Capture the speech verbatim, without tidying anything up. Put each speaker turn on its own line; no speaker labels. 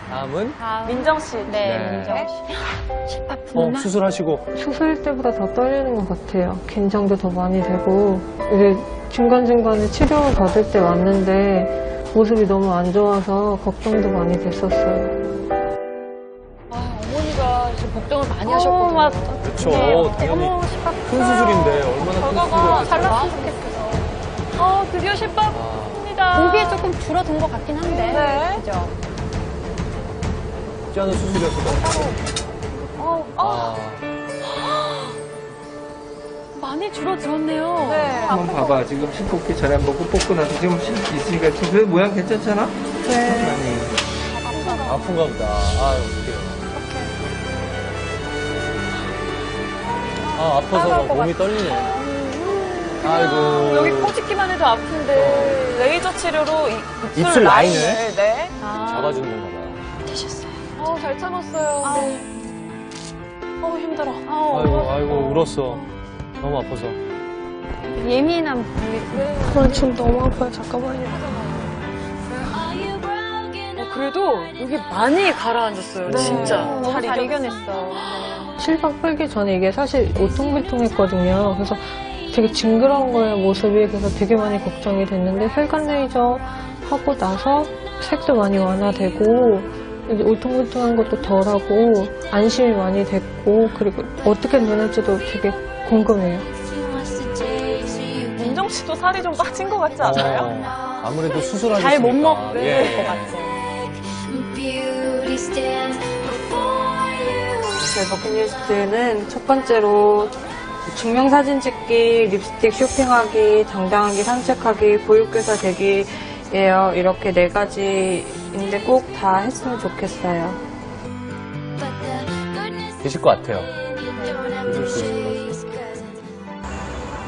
다음은?
다음.
민정 씨.
네,
네.
민정 씨.
십박
어,
분만.
수술하시고.
수술 때보다 더 떨리는 것 같아요. 긴장도 더 많이 되고 이제 중간중간에 치료 받을 때 왔는데 모습이 너무 안 좋아서 걱정도 많이 됐었어요.
아, 어머니가 지금 걱정을 많이 하셨거든요.
맞.
그렇죠.
네.
당연히.
어머, 십박
큰 수술인데 얼마나 큰
결과가 잘
수술이었겠어요.
났으면 좋겠어요. 어, 드디어 십박입니다.
보기에 조금 줄어든 것 같긴 한데.
네.
그죠?
쉽지 않은 수술이었을 것 같아요.
어, 어,
아,
많이 줄어들었네요. 네.
한번 봐봐. 지금 실 뽑기 전에 한 번 뽑고 나서 지금 실 있으니까 지금 그 모양 괜찮잖아? 네. 많이.
아픈가 보다. 아, 어떡해요. 아, 아파서 막 몸이 떨리네. 아이고.
여기 꼬집기만 해도 아픈데 레이저 치료로 이, 입술,
입술 라인을?
네.
잡아주는 건가 봐요.
되셨어요. 아우, 잘 참았어요. 네. 어우, 힘들어. 아우,
아이고, 아이고, 울었어. 너무 아파서.
예민한 부위.
저 지금 너무 아파요. 잠깐만요. 어, 그래도 여기 많이 가라앉았어요. 진짜.
너무 잘 이겨냈어.
실밥 풀기 전에 이게 사실 오통불통했거든요. 그래서 되게 징그러운 거예요, 모습이. 그래서 되게 많이 걱정이 됐는데 혈관 레이저 하고 나서 색도 많이 완화되고 이제 울퉁불퉁한 것도 덜하고 안심이 많이 됐고 그리고 어떻게 눈을지도 되게 궁금해요.
민정 씨도 살이 좀 빠진 것 같지 않아요?
어, 아무래도 수술하셨으니까.
잘 못 먹을
예.
것 같아.
제 버킷리스트는 첫 번째로 증명사진 찍기, 립스틱 쇼핑하기, 당당하게 산책하기, 보육교사 되기예요. 이렇게 네 가지인데 꼭 다 했으면 좋겠어요.
되실 것 같아요. 이럴 수 있어요.